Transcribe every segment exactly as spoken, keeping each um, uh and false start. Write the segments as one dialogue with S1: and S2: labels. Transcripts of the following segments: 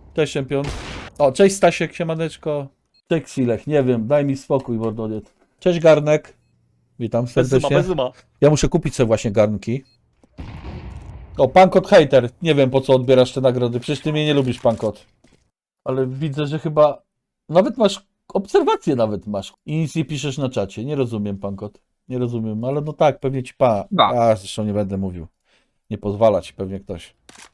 S1: Cześć, czempion. O, cześć Stasiek, siemaneczko. Cześć Silech, nie wiem, daj mi spokój, mordowiec. Cześć Garnek. Witam serdecznie.
S2: Bez zuma, bez zuma.
S1: Ja muszę kupić sobie właśnie garnki. O, Pankot Hater. Nie wiem, po co odbierasz te nagrody. Przecież ty mnie nie lubisz, Pankot. Ale widzę, że chyba... Nawet masz... Obserwacje nawet masz. I nic nie piszesz na czacie. Nie rozumiem, Pankot. Nie rozumiem, ale no tak, pewnie ci pa... A, zresztą nie będę mówił. Nie pozwala ci pewnie ktoś.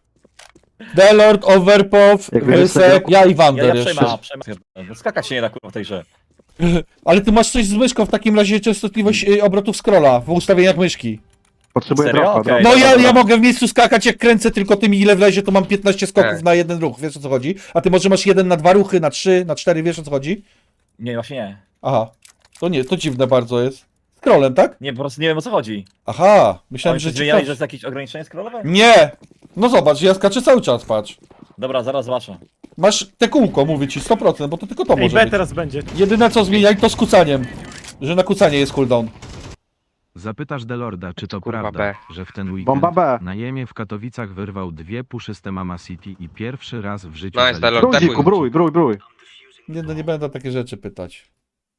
S1: The Lord Overpow, Wysek, ja i
S2: Ja,
S1: Wander
S2: ja
S1: jeszcze.
S2: przejmę, przejmę. Skakać się nie da kurwa w tej grze.
S1: Ale ty masz coś z myszką, w takim razie częstotliwość y, obrotów scrolla w ustawieniach myszki.
S3: Potrzebuję
S2: Serio?
S3: dropa,
S2: Okej.
S3: okay.
S1: No
S2: dobra,
S1: ja,
S2: dobra.
S1: ja mogę w miejscu skakać, jak kręcę tylko tym ile wlezie, to mam piętnaście skoków
S3: Tak.
S1: na jeden ruch, wiesz o co chodzi? A ty może masz jeden na dwa ruchy, na trzy, na cztery, wiesz o co chodzi?
S2: Nie, właśnie nie.
S1: Aha, to nie, to dziwne bardzo jest. Scrollem, tak?
S2: Nie, po prostu nie wiem o co chodzi.
S1: Aha, myślałem,
S2: Oni
S1: że
S2: się
S1: ci
S2: zmieniali,
S1: ktoś-
S2: że jest jakieś ograniczenie scrollowe?
S1: Nie! No zobacz, ja skaczę cały czas, patrz.
S2: Dobra, zaraz zobaczę.
S1: Masz te kółko, mówię ci, sto procent, bo to tylko to
S4: Ej,
S1: może
S4: B
S1: być.
S4: teraz będzie.
S1: Jedyne co zmieniali to z kucaniem. Że na kucanie jest cooldown.
S5: Zapytasz Delorda, czy to
S3: Kurwa
S5: prawda,
S3: B.
S5: że w ten weekend
S3: Bomba B.
S5: na Jemie w Katowicach wyrwał dwie puszyste Mama City i pierwszy raz w życiu
S6: Nice,
S5: zaliczył-
S6: Delord.
S3: Bruziku, brój, brój, brój.
S1: Nie, no nie będę takie rzeczy pytać.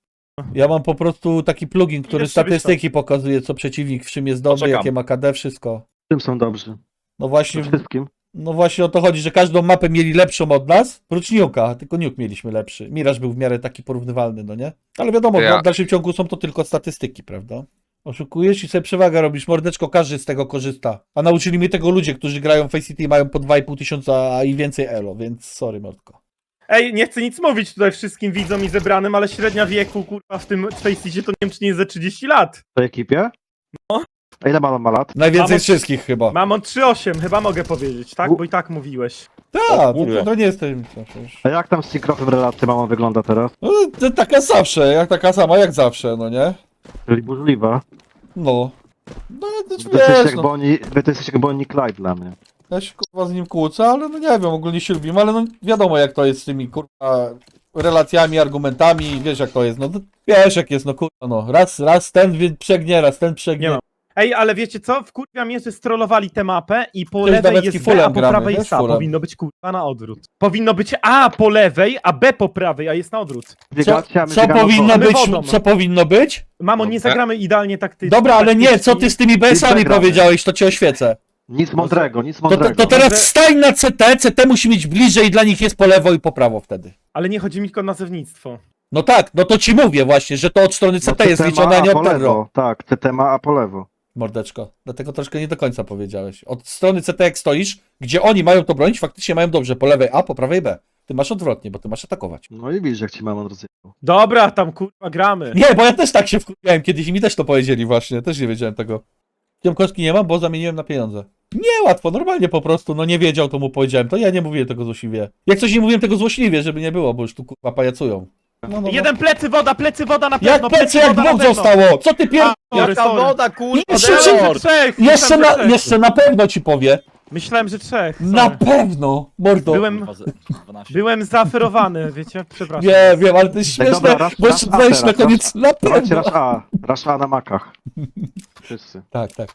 S1: Ja mam po prostu taki plugin, który
S4: Ile sobie
S1: statystyki pokazuje, co przeciwnik w czym jest dobry,
S2: Poczekam.
S1: jakie ma K D, wszystko.
S3: Czym są dobrzy?
S1: No właśnie,
S3: Przede wszystkim.
S1: no właśnie o to chodzi, że każdą mapę mieli lepszą od nas, prócz Nuke'a, tylko Nuke mieliśmy lepszy. Mirage był w miarę taki porównywalny, no nie? Ale wiadomo,
S6: Ja-
S1: w dalszym ciągu są to tylko statystyki, prawda? Oszukujesz i sobie przewagę robisz, mordeczko, każdy z tego korzysta. A nauczyli mnie tego ludzie, którzy grają w Face City i mają po dwa i pół tysiąca a i więcej elo, więc sorry, mordko.
S4: Ej, nie chcę nic mówić tutaj wszystkim widzom i zebranym, ale średnia wieku, kurwa, w tym Faceitie to nie wiem, czy nie jest ze trzydzieści lat.
S3: W tej ekipie?
S4: No.
S3: A ile ma ma lat?
S1: Najwięcej
S4: Mamo-
S1: z wszystkich chyba.
S4: Mam on trzy osiem, chyba mogę powiedzieć, tak? Bo i tak mówiłeś.
S1: Tak,
S2: O
S1: to,
S2: kurde.
S1: to, to nie jest tajemnica przecież.
S3: A jak tam z Syncrofem relacja mama wygląda teraz?
S1: No, to taka zawsze, jak taka sama jak zawsze, no nie?
S3: Czyli burzliwa.
S1: No. No, to
S3: Wy to jesteście
S1: wiesz,
S3: jak
S1: no,
S3: Bonnie, wy to jesteście jak Bonnie i Clyde dla mnie.
S1: ja się kurwa z nim kłócę, ale no nie wiem, ogólnie się lubimy, ale no wiadomo jak to jest z tymi kurwa relacjami, argumentami, wiesz jak to jest, no to, wiesz jak jest, no kurwa, no raz, raz ten wie- przegnie, raz ten przegnie.
S4: Nie mam. Ej, ale wiecie co? Wkurwia mnie, że strollowali tę mapę i po
S1: Cześć,
S4: lewej
S1: Dawecki,
S4: jest B,
S1: fullem
S4: a po
S1: gramy,
S4: prawej
S1: wiesz,
S4: jest A.
S1: fullem.
S4: Powinno być kurwa na odwrót. Powinno być A po lewej, a B po prawej, a jest na odwrót.
S1: Co,
S3: Biegacie, a my
S1: co
S3: biegamy
S1: powinno
S3: po-
S4: My
S1: być,
S4: wodą.
S1: co powinno być?
S4: Mamo, nie
S6: Dobra.
S4: zagramy idealnie taktycznie.
S1: Dobra, ale nie, co ty z tymi B S-ami
S3: zagramy.
S1: powiedziałeś, to cię oświecę.
S3: Nic mądrego, nic
S1: To, to,
S3: mądrego.
S1: to teraz
S4: Może-
S1: stań na C T, C T musi mieć bliżej, dla nich jest po lewo i po prawo wtedy.
S4: Ale nie chodzi mi tylko o nazewnictwo.
S1: No tak, no to ci mówię właśnie, że to od strony C T
S3: No,
S1: jest
S3: C T
S1: liczone,
S3: ma
S1: a nie
S3: po
S1: od Terro.
S3: lewo. Tak, C T ma A po lewo.
S1: Mordeczko, dlatego troszkę nie do końca powiedziałeś. Od strony C T jak stoisz, gdzie oni mają to bronić, faktycznie mają dobrze, po lewej A, po prawej B. Ty masz odwrotnie, bo ty masz atakować.
S3: No i widzisz jak ci mamon rozjechał.
S4: Dobra, tam kurwa gramy.
S1: Nie, bo ja też tak się wkurwiałem kiedyś i mi też to powiedzieli właśnie, też nie wiedziałem tego. Ciemkowski nie mam, bo zamieniłem na pieniądze. Nie, łatwo, normalnie po prostu, no nie wiedział, to mu powiedziałem, to ja nie mówiłem tego złośliwie. Jak coś nie mówiłem tego złośliwie, żeby nie było, bo już tu kurwa pajacują. No, no, no.
S4: Jeden plecy woda, plecy woda na pewno.
S1: Jak plecy, jak
S4: woda na
S1: dwóch
S4: pewno.
S1: zostało? Co ty pier...
S4: A, sorry,
S2: Jaka
S4: sorry.
S2: woda, kurwa,
S1: Jeszcze
S4: Myślałem, że
S2: Delord!
S4: trzech.
S1: Jeszcze
S4: myślałem, że
S1: na,
S4: trzech.
S1: jeszcze na pewno ci powie.
S4: Myślałem, że trzech.
S1: Na
S4: sorry.
S1: pewno, mordo.
S4: Byłem,
S2: Kurwa, z- dwanaście.
S4: byłem zaferowany, wiecie? Przepraszam.
S1: Wiem, wiem, ale to jest
S3: Ej,
S1: śmieszne,
S3: dobra, raz-
S1: bo
S3: raz
S1: jeszcze
S3: A
S1: dajesz na
S3: teraz,
S1: koniec na
S3: Dawajcie
S1: pewno.
S3: rasz A. Rasz A na makach. Wszyscy.
S1: Tak, tak.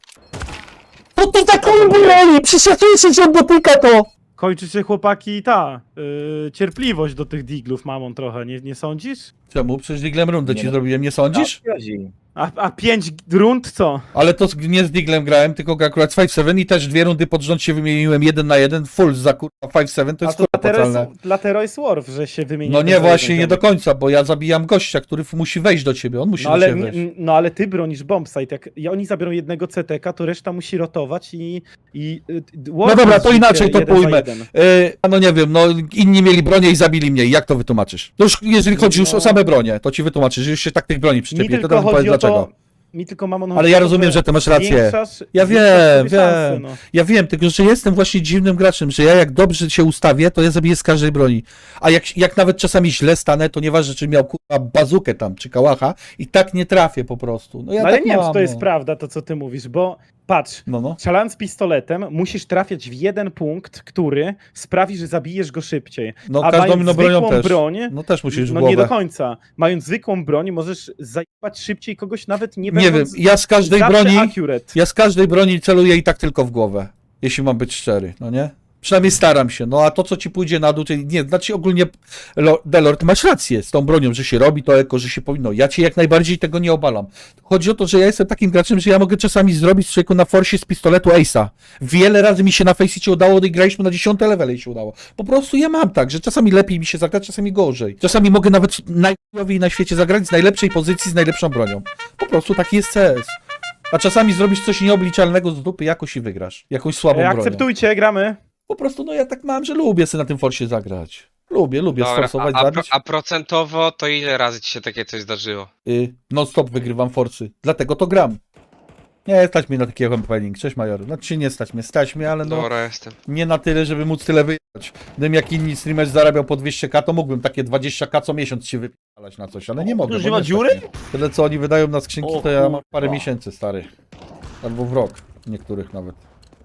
S1: No to taką broni, przecież się że dotyka to.
S4: Kończy się chłopaki ta yy, cierpliwość do tych diglów mamon trochę, nie, nie sądzisz?
S1: Czemu? Przecież diglem rundę
S2: Nie
S1: ci
S2: no.
S1: zrobiłem, nie sądzisz?
S4: A, a pięć rund co?
S1: Ale to z- nie z diglem grałem, tylko akurat z pięć siedem i też dwie rundy pod rząd się wymieniłem jeden na jeden, full za kurwa pięć siedem, to
S4: A
S1: jest
S4: to
S1: kurwa
S4: Latero
S1: opłacalne.
S4: jest, Latero jest Worf, że się wymienia.
S1: No nie,
S4: jeden za
S1: właśnie,
S4: jeden
S1: nie do
S4: ziomek.
S1: końca, bo ja zabijam gościa, który f- musi wejść do ciebie, on musi
S4: No
S1: do
S4: ale,
S1: ciebie wejść.
S4: n- no ale ty bronisz bombsite, jak ja, oni zabiorą jednego C T K, to reszta musi rotować i... i y, Worf
S1: No dobra,
S4: jest
S1: to inaczej
S4: życie
S1: to
S4: jeden za
S1: pójmę.
S4: jeden.
S1: Yy, a no nie wiem, no inni mieli bronię i zabili mnie, jak to wytłumaczysz? To już jeżeli chodzi już
S4: No.
S1: o same bronie, to ci wytłumaczysz, że już się tak tych broni
S4: Mi
S1: przyczepi, to
S4: tylko
S1: teraz mi powiedz
S4: chodzi o
S1: dlaczego.
S4: to... Mi tylko mamon
S1: Ale
S4: chodzi
S1: ja
S4: o to,
S1: rozumiem, że ty masz rację.
S4: zwiększasz-
S1: Ja
S4: zwiększasz
S1: wiem,
S4: sobie szanse,
S1: wiem.
S4: no.
S1: Ja wiem, tylko że jestem właśnie dziwnym graczem, że ja jak dobrze się ustawię, to ja zabiję z każdej broni. A jak, jak nawet czasami źle stanę, to nieważne, czy miał kurwa bazukę tam, czy kałacha, i tak nie trafię po prostu. No ja
S4: No ale
S1: tak
S4: nie wiem,
S1: mam,
S4: czy to jest
S1: no.
S4: prawda, to co ty mówisz, bo patrz,
S1: No, no.
S4: strzelając pistoletem musisz trafiać w jeden punkt, który sprawi, że zabijesz go szybciej.
S1: No
S4: A
S1: każdą
S4: mając
S1: inną bronią
S4: zwykłą
S1: też.
S4: broń,
S1: No też musisz w
S4: no
S1: głowę.
S4: nie do końca. Mając zwykłą broń, możesz zajebać szybciej kogoś, nawet nie
S1: Nie wiem,
S4: będąc
S1: ja z każdej
S4: zawsze
S1: broni,
S4: accurate.
S1: ja z każdej broni celuję i tak tylko w głowę. Jeśli mam być szczery, no nie? Przynajmniej staram się. No a to, co ci pójdzie na dół, czyli nie, znaczy ogólnie, Lo- Delord, masz rację z tą bronią, że się robi to eko, że się powinno. Ja cię jak najbardziej tego nie obalam. Chodzi o to, że ja jestem takim graczem, że ja mogę czasami zrobić człowieku na forsie z pistoletu Ace'a. Wiele razy mi się na Faceicie udało, i graliśmy na dziesiąte levele i się udało. Po prostu ja mam tak, że czasami lepiej mi się zagrać, czasami gorzej. Czasami mogę nawet najlepiej na świecie zagrać z najlepszej pozycji, z najlepszą bronią. Po prostu taki jest C S. A czasami zrobisz coś nieobliczalnego z dupy jakoś i wygrasz. Jakąś słabą
S4: E,
S1: bronią.
S4: akceptujcie, gramy.
S1: Po prostu, no ja tak mam, że lubię sobie na tym forsie zagrać. Lubię, lubię
S6: Dobra,
S1: sforsować,
S6: a, a, pro,
S1: zabić.
S6: a procentowo to ile razy ci się takie coś zdarzyło?
S1: Y, non stop wygrywam forsy. Dlatego to gram. Nie stać mnie na takiego campaigning. Cześć Major. Znaczy nie stać mnie, stać mnie, ale no
S6: Dobra, jestem.
S1: nie na tyle, żeby móc tyle wyjechać. Gdybym jak inni streamer zarabiał po dwieście ka, to mógłbym takie dwadzieścia ka co miesiąc się wypalać na coś, ale nie mogę.
S2: Już
S1: bo
S2: nie ma
S1: stać
S2: dziury?
S1: mnie. Tyle co oni wydają na skrzynki,
S2: O
S1: to ja mam
S2: kurwa.
S1: parę miesięcy, stary. Albo w rok. Niektórych nawet.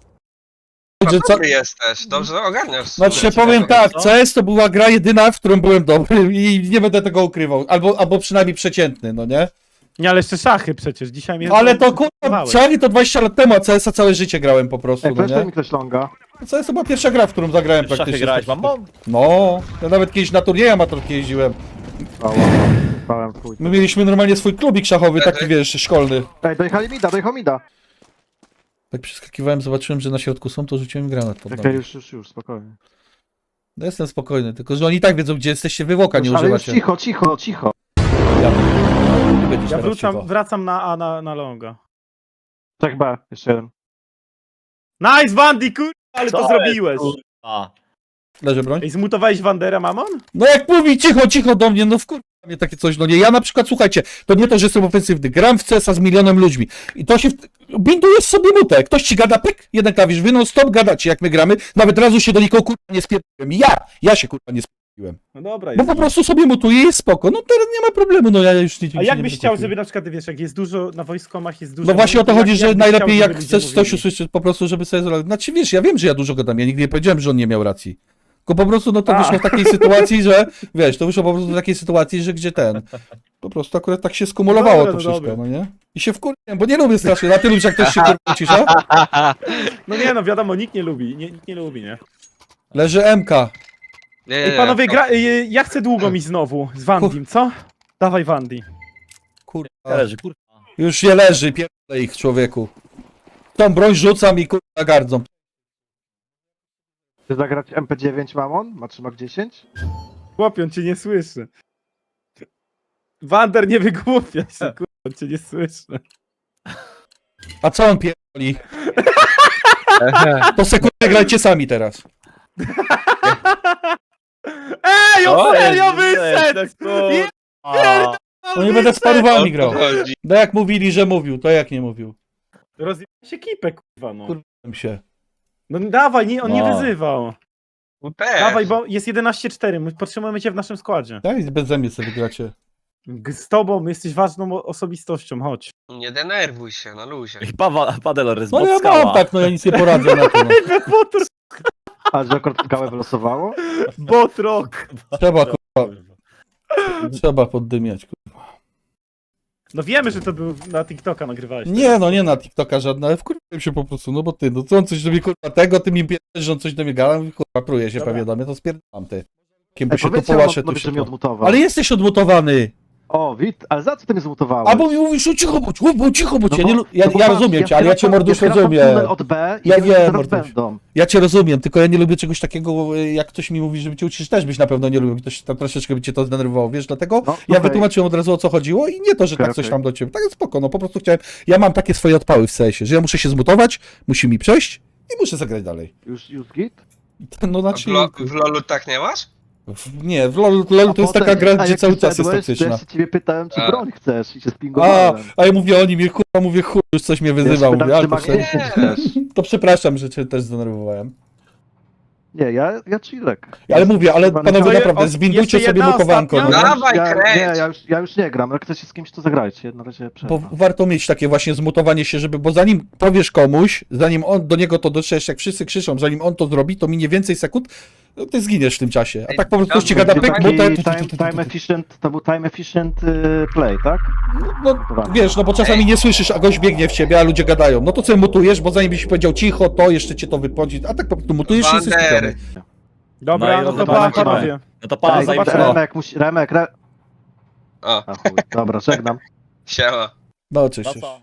S1: Że co...
S6: Dobry jesteś, dobrze ogarniasz.
S1: Znaczy
S2: Ciekawe,
S1: powiem tak,
S2: co?
S1: C S to była gra jedyna, w którą byłem dobry i nie będę tego ukrywał. Albo, albo przynajmniej przeciętny, no nie?
S4: Nie, ale jeszcze szachy przecież, dzisiaj mnie...
S1: Ale to kurwa,
S4: zdenerwowały.
S1: Czary to dwadzieścia lat temu, a C S a całe życie grałem po prostu,
S3: Ej,
S1: no
S3: weź
S1: nie?
S3: mi ktoś longa.
S1: C S to była pierwsza gra, w którą zagrałem
S2: W szachy
S1: praktycznie.
S2: grałeś, mamą?
S1: No, ja nawet kiedyś na turnieje amatorskie jeździłem.
S3: Ała, spałem w chuj.
S1: My mieliśmy normalnie swój klubik szachowy, taki
S6: Ehe.
S1: wiesz, szkolny.
S3: Ej, dojechali mida, dojechał mida.
S1: Tak przeskakiwałem, zobaczyłem, że na środku są, to rzuciłem granat pod
S3: Okej,
S1: nogi.
S3: już, już, już, spokojnie.
S1: No jestem spokojny, tylko że oni i tak wiedzą, gdzie jesteście, wy woka nie
S3: Już, ale już
S1: używacie.
S3: cicho, cicho, cicho.
S1: Ja, nie będziesz
S4: Ja
S1: teraz
S4: wrócam,
S1: cicho.
S4: wracam na A, na, na longa.
S3: Trzech B, jeszcze jeden.
S4: Nice, Wandy, kurwa, ale
S2: Co
S4: to
S2: jest,
S4: zrobiłeś.
S2: A,
S1: Leży broń?
S4: Ej, zmutowałeś Wandera, mamon?
S1: No jak mówi cicho, cicho do mnie, no wkurwa mnie takie coś, no nie. Ja na przykład, słuchajcie, to nie to, że jestem ofensywny, gram w C S a z milionem ludźmi i to się, w... bindujesz sobie mutę, ktoś ci gada, pyk, jeden klawisz, wy non stop gadacie jak my gramy, nawet razu się do nikogo kurwa nie spierdoliłem, ja, ja się kurwa nie spierdoliłem,
S4: No dobra,
S1: bo
S4: jest.
S1: po prostu sobie mutuję i jest spoko, no teraz nie ma problemu, no ja już nie
S4: A jak
S1: nie
S4: byś
S1: będę
S4: chciał,
S1: kupił.
S4: żeby na przykład, wiesz, jak jest dużo, na wojskomach jest dużo...
S1: No właśnie o to
S4: jak-
S1: chodzi, że
S4: byś
S1: najlepiej
S4: chciał, żeby
S1: jak
S4: ludzie
S1: chcesz coś
S4: mówili?
S1: usłyszeć po prostu, żeby sobie zrobić. Znaczy wiesz, ja wiem, że ja dużo gadam, ja nigdy nie powiedziałem, że on nie miał racji. Tylko po prostu no to
S4: A.
S1: wyszło w takiej sytuacji, że wiesz, to wyszło po prostu w takiej sytuacji, że gdzie ten. Po prostu akurat tak się skumulowało
S4: Dobra,
S1: to
S4: no
S1: wszystko,
S4: dobra.
S1: no nie? I się wkurwiłem, bo nie lubię strasznie, na ty lubisz jak ktoś się kurwa cisza?
S4: No nie, no wiadomo, nikt nie lubi, nie, nikt nie lubi, nie?
S1: Leży M K.
S6: Nie, nie,
S4: Ej,
S6: nie,
S4: panowie,
S6: to-
S4: gra... Ej, ja chcę długo mi znowu, z Wandim, co? Dawaj Wandy.
S1: Kurwa.
S2: leży, kurwa.
S1: Już nie leży, pierdolę ich człowieku. Tą broń rzucam i kurwa gardzą.
S3: Chcesz zagrać M P dziewięć Mamon? Ma trzymak dziesięć?
S4: Chłopie, on cię nie słyszy. Wander, nie wygłupiaj się, kurwa, on cię nie słyszy.
S1: A co on pierdoli? To sekundę grajcie sami teraz.
S4: Ej, on
S2: O,
S4: serio
S2: jest,
S4: wyszedł!
S2: jest, kurwa.
S1: No nie będę z parowami
S6: O
S1: grał.
S6: to chodzi.
S1: No jak mówili, że mówił, to jak nie mówił.
S4: Rozjebał się kipę, kurwa, no.
S1: Kurwa. się.
S4: No dawaj, nie, on nie
S2: No.
S4: wyzywał.
S6: No też.
S4: Dawaj, bo jest jedenaście cztery, my potrzebujemy cię w naszym składzie.
S1: Tak, i bez zębie sobie wygracie.
S4: G- Z tobą jesteś ważną o- osobistością, chodź.
S6: Nie denerwuj się, na luzie.
S2: Ej, Pawa, Padelor jest
S1: No ja
S2: skała.
S1: mam tak, no ja nic nie poradzę na to. No.
S4: Botr
S3: A że akurat skałę wylosowało?
S4: Botrok!
S1: Trzeba, kurwa, trzeba poddymiać. Kurwa.
S4: No wiemy, że to był na TikToka nagrywałeś.
S1: Nie, no nie na TikToka żadna, ale wkurwiłem się po prostu, no bo ty, no co on coś do mnie kurwa tego, ty mi pierdolisz, że on coś do mnie gada, i kurwa pruje się
S4: Dobra.
S1: pewnie do mnie, to spierdalam ty. Kim by
S3: Ej,
S1: się tu
S3: powiedzcie
S1: połaszę, tu
S3: Mamonowi,
S1: się
S3: że mnie
S1: po...
S3: odmutował.
S1: Ale jesteś odmutowany!
S3: O, wit, ale za co ty mnie zmutowałeś?
S1: Albo mi mówisz, o cicho bądź, o, bo cicho bądź,
S3: No
S1: ja,
S3: bo-
S1: nie, lu- ja,
S3: no bo
S1: ja
S3: patrz,
S1: rozumiem cię, ale ja cię
S3: skracam-
S1: mordusz
S3: skracam
S1: rozumiem.
S3: tunel od B i
S1: Ja
S3: ja
S1: wiem,
S3: teraz
S1: morduś.
S3: będą.
S1: Ja cię rozumiem, tylko ja nie lubię czegoś takiego, y, jak ktoś mi mówi, żeby cię uciszyć, też byś na pewno nie lubił, ktoś tam troszeczkę by cię to zdenerwowało, wiesz, dlatego
S3: No,
S1: ja
S3: okej.
S1: wytłumaczyłem od razu o co chodziło i nie to, że
S3: Okej,
S1: tak coś
S3: okej.
S1: tam do ciebie, tak jest spoko, no po prostu chciałem, ja mam takie swoje odpały w sensie, że ja muszę się zmutować, musi mi przejść i muszę zagrać dalej.
S3: Już, już git?
S1: No
S6: A
S1: znaczy,
S6: w, lo, w lolu tak nie masz?
S1: w, nie, w LoL, LOL to jest taka gra,
S3: a
S1: gdzie
S3: jak
S1: cały
S3: ty
S1: czas jest
S3: wszedłeś, to
S1: toksyczna.
S3: Ja się ciebie pytałem, czy
S6: A.
S3: broń chcesz i się
S1: A,
S3: spingowałem.
S1: a ja mówię, oni mnie kurwa, mówię, chuj, już coś mnie wyzywał,
S3: Ja się
S1: mówię, ale
S3: pytam,
S1: to,
S3: czy
S1: prze-
S3: magnesy chcesz.
S1: to przepraszam, że cię też zdenerwowałem.
S3: Nie, ja, ja chillek.
S1: Ale mówię, ale
S3: Chyba
S1: panowie
S4: To je-
S1: naprawdę,
S4: o,
S1: zwindujcie
S4: jeszcze
S1: sobie
S4: jedna
S1: mutowanko, no
S4: ostatnia?
S1: nie?
S6: Dawaj,
S3: ja,
S6: kręć!
S3: nie, ja już, ja już nie gram. Jak chcecie z kimś, to zagrajcie. Na razie
S1: Bo
S3: przerwa.
S1: warto mieć takie właśnie zmutowanie się, żeby, bo zanim powiesz komuś, zanim on do niego to dotrzesz, jak wszyscy krzyczą, zanim on to zrobi, to minie więcej sekund, no ty zginiesz w tym czasie. A
S6: Ej,
S1: tak po prostu ci gada
S6: dobra,
S1: pyk,
S3: Taki
S1: mutę.
S3: time, time efficient, to był time efficient y, play, tak?
S1: No wiesz, no bo czasami nie słyszysz, a gość biegnie w ciebie, a ludzie gadają. No to co mutujesz, bo zanim byś powiedział cicho, to jeszcze cię to wypodzi. A tak po prostu mutujesz i jesteś
S6: Wander.
S1: skupiony.
S4: Dobra,
S2: No i
S4: no to
S2: zobaczymy.
S4: pa, panowie.
S2: No to pa,
S3: Ej,
S2: zajmij się.
S3: Remek, musi, Remek, re...
S6: O,
S3: A chuj, dobra, żegnam.
S6: siema.
S1: No oczywiście.
S2: To co?